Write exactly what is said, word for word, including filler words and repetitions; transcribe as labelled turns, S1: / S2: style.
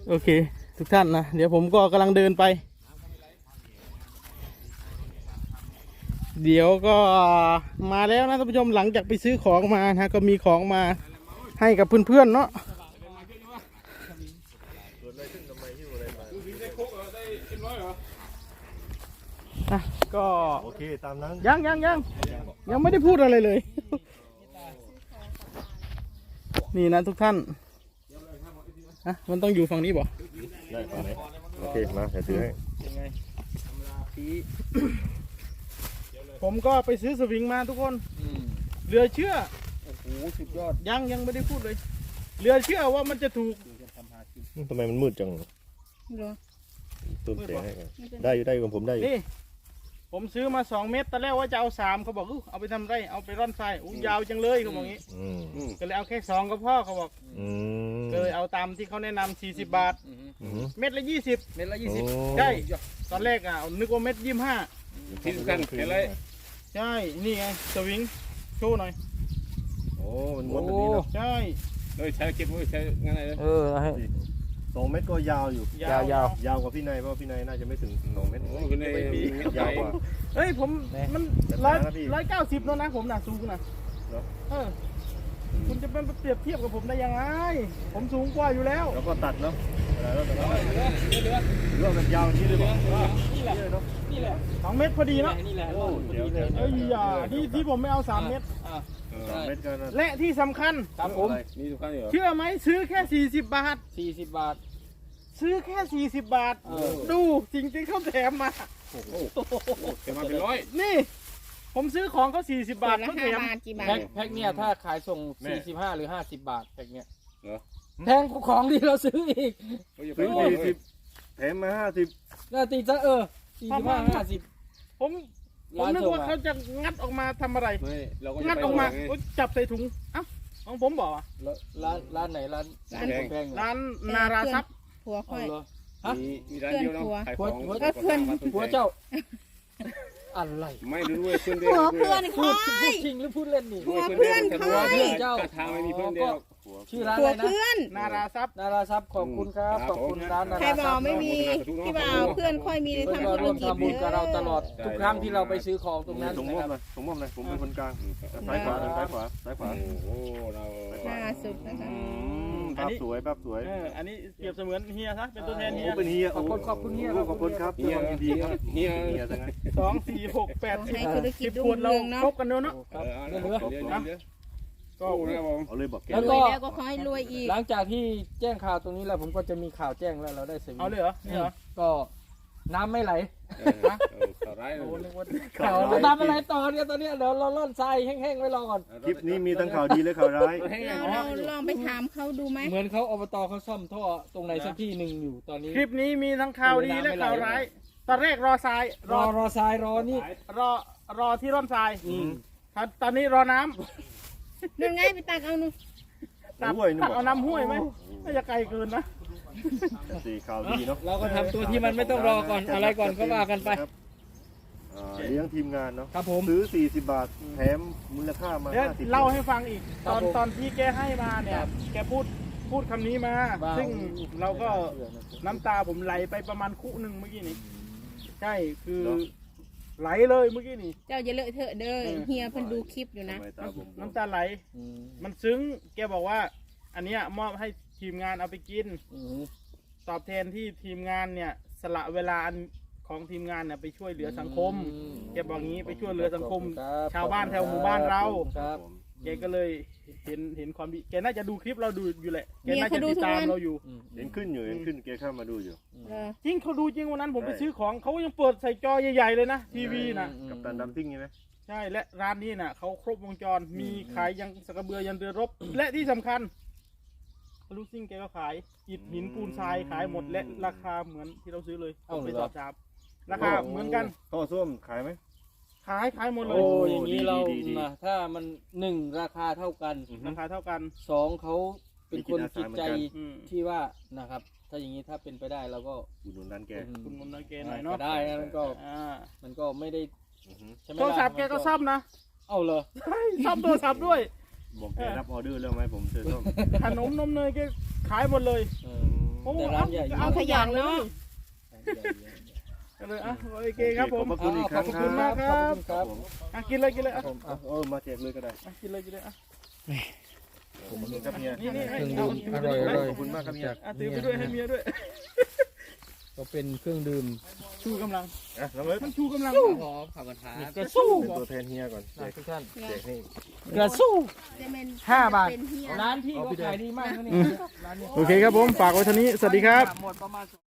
S1: โอเคทุกท่านนะเดี๋ยวผมก็กำลังเดินไปเดี๋ยวก็มาแล้วนะท่านผู้ชมหลังจากไปซื้อของมานะก็มีของมาให้กับเพื่อนๆเนาะอ่ะก็โอเคตามนั้นยังยังยังยังไม่ได้พูดอะไรเลยนี่นะทุกท่านอ่ะมันต้องอยู่ฝั่งนี้บ่ได้ฝั่งไหนโอเคมาเดี๋ยวถือให้ผมก็ไปซื้อสวิงมาทุกคนเหลือเชื่อโอ้โหสุดยอดยังยังไม่ได้พูดเลยเหลือเชื่อว่ามันจะถูกทำไมมันมืดจังเติมแสงให้ได้อยู่ได้กับผมได้อยู่นี่ผมซื้อมาสองเม็ดตอนแรกว่าจะเอาสามเขาบอกเอาไปทำไรเอาไปร่อนทรายอู้ยาวจังเลยเขาบอกงี้ก็เลยเอาแค่สองก็พ่อเขาบอกก็เลยเอาตามที่เขาแนะนำสี่สิบบาทเม็ดละยี่สิบเม็ดละยี่สิบใช่ตอนแรกอ่ะนึกว่าเม็ดยี่สิบห้าที่สำคัญคืออะไรใช่นี่ไงสวิงโชว์หน่อยโอ้มันม้วนแบบนี้เนาะใช่เลยใช้เก็บไว้ใช้งานอะไรเออสองเมตรก็ยาวอยู่ยาวยาวยาวกว่าพี่นายเพราะพี่นายน่าจะไม่ถึงสองเมตรโอ้พี่นายยาวกว่าเฮ้ยผมมันร้อยร้อยเก้าสิบแล้วนะผมน่ะสูงนะเออคุณจะเป็นเปรียบเทียบกับผมได้ยังไงผมสูงกว่าอยู่แล้วแล้วก็ตัดเนาะแล้วตัดเรื่องมันยาวนี้เลยบอกนี่แหละนี่แหละสองเมตรพอดีเนาะนี่แหละโอ้เดี๋ยวเอ้ยอย่าที่ที่ผมไม่เอาสามเมตรและที่สำคัญครับผมเชื่อไหมซื้อแค่สี่สิบบาทสี่สิบบาทซื้อแค่สี่สิบบาทดูจริงๆเขาแถมมาแถมมาเป็นร้อยนี่ผมซื้อของเขาสี่สิบบาทเขาแถมแพ็คแพ็คเนี่ยถ้าขายส่งสี่สิบห้าหรือห้าสิบบาทแพ็คเนี่ยแพงกว่าของที่เราซื้ออีกซื้อสี่สิบแถมมาห้าสิบน่าตีซะเออสี่สิบห้าห้าสิบผมผมนึกว่าเขาจะงัดออกมาทำอะไรงัดออกมาจับใส่ถุงเอ้าของผมบอกร้านร้านไหนร้านร้านแพงร้านนาราซับผัวค่อยฮะมีร้านเดียวเนาะผัวผัวเพื่อนผัวเจ้าอะไรไม่รู้เว้ยเพื่อนเดียวเพื่อนค่อยพูดจริงหรือพูดเล่นนี่ผัวเพื่อนค่อยเจ้าทางไม่มีเพื่อนเดียวชื่อร้านอะไรนะนาราซับนาราซับขอบคุณครับขอบคุณร้านนาราซับใครบอกไม่มีพี่บ่าวเพื่อนค่อยมีทำธุรกิจบุญกับเราตลอดทุกครั้งที่เราไปซื้อของตรงนั้นสมมติเลยสมมติเลยผมเป็นคนกลางซ้ายขวาซ้ายขวาซ้ายขวาโอ้เราล่าสุดนะคะภาพสวยภาพสวยอันนี้เปรียบเสมือนเฮียซะเป็นตัวแทนเฮียเป็นเฮียขอบคุณขอบคุณเฮียขอบคุณครับเฮียดีครับเฮียเฮียทั้งนั้นสองสี่หกแปดสิบสิบขวดเราครบกันเนาะเดี๋ยวเดี๋ยวก็เอาเลยบอกแล้วก็ขอให้รวยอีกหลังจากที่แจ้งข่าวตรงนี้แล้วผมก็จะมีข่าวแจ้งแล้วเราได้เสร็จเอาเลยเหรอนี่เหรอก็น้ำไม่ไหลข่าวร้ายข่าวน้ำไม่ไหลต่อเนี่ยตอนนี้เดี๋ยวเราล่อนทรายแห้งๆไว้รอก่อนคลิปนี้มีทั้งข่าวดีและข่าวร้ายเราลองไปถามเขาดูไหมเหมือนเขาอบตเขาซ่อมท่อตรงไหนสักที่หนึ่งอยู่ตอนนี้คลิปนี้มีทั้งข่าวดีและข่าวร้ายตอนแรกรอทรายรอรอทรายรอนี่รอรอที่ร่อนทรายตอนนี้รอน้ำนั่นไงไปตักเอาหนูตักเอาน้ำห้วยไหมน่าจะไกลเกินนะสีข่าวดีเนาะเราก็ทำตัวที่มันไม่ต้องรอก่อนอะไรก่อนก็ว่ากันไปเลี้ยงทีมงานเนาะครับผมซื้อสี่สิบบาทแถมมูลค่ามาห้าสิบเล่าให้ฟังอีกตอนตอนที่แกให้มาเนี่ยแกพูดพูดคำนี้มาซึ่งเราก็น้ำตาผมไหลไปประมาณคู่หนึ่งเมื่อกี้นี้ใช่คือไหลเลยเมื่อกี้นี่เจ้าอย่าเลอะเทอะเด้อเฮียเพิ่นดูคลิปอยู่นะน้ำตาไหลมันซึ้งแกบอกว่าอันเนี้ยมอบให้ทีมงานเอาไปกินตอบแทนที่ทีมงานเนี่ยสละเวลาของทีมงานเนี่ยไปช่วยเหลือสังคมแกบอกงี้ไปช่วยเหลือสังคมชาวบ้านแถวหมู่บ้านเราแกก็เลยเห็นเห็นความดีแกน่าจะดูคลิปเราดูอยู่แหละแกน่าจะติดตามเราอยู่เห็นขึ้นอยู่เห็นขึ้นแกเข้ามาดูอยู่จริงเขาดูจริงวันนั้นผมไปซื้อของเขายังเปิดใส่จอใหญ่ๆเลยนะทีวีนะกับตันดัมซิ่งใช่ไหมใช่และร้านนี้น่ะเขาครบวงจรมีขายยังสกระเบือยันเรือรบและที่สำคัญลูกซิ่งแกก็ขายอิฐหินปูนทรายขายหมดและราคาเหมือนที่เราซื้อเลยเอาไปสอบถามราคาเหมือนกันท่อส้วมขายไหมขายขายหมดเลยโอ้อย่างนี้เราถ้ามันหนึ่งราคาเท่ากันราคาเท่ากันสองเขาเป็นคนจิตใจที่ว่านะครับถ้าอย่างนี้ถ้าเป็นไปได้เราก็อุดหนุนร้านแกอุดหนุนร้านแกหน่อยเนาะได้มันก็มันก็ไม่ได้โทรศัพท์แกก็ซ่อมนะเอาเลยซ่อมโทรศัพท์ด้วยบอกแกรับออเดอร์แล้วไหมผมเจอซ่อมขนมนมเนยแกขายหมดเลยโอ้
S2: แต่ร้านใหญ่
S3: เอาขยันเนาะ
S1: เลยอ่ะโอเคครับผม
S4: ขอบคุณอีกครั้ง
S1: ขอบคุณมากครับ
S2: ครับ
S1: อ่ะกินเลยกินเลยอ่ะ
S4: ผมอ่ะเออมาแจกเลยก็ได้
S1: อ่ะกินเลยกินเลยอ่ะ
S4: ผมมันกับเมีย
S1: นี่นี่
S2: เครื่องดื่มอร่อยอร่อย
S4: ขอบคุณมากครับเมีย
S1: อ่ะถือไปด้วยให้เมียด้วย
S2: ก็เป็นเครื่องดื่ม
S1: ชูกำลัง
S4: อ่ะน้องเอิร์ธ
S1: มันชูกำลัง
S2: หอมผักกระทะ
S1: กระสู้
S4: เป็นตัวแทนเฮียก่อนแจก
S2: ทุกท่าน
S4: แจกนี่
S1: กระสู้
S3: จะเป็น
S1: ห้าบาท
S3: เป็นเฮีย
S2: ร้านพี่ก็ขายดีมากนะนี่ร้านนี้
S1: โอเคครับผมฝากไว้เท่านี้สวัสดีครับ
S2: หมดประมาณ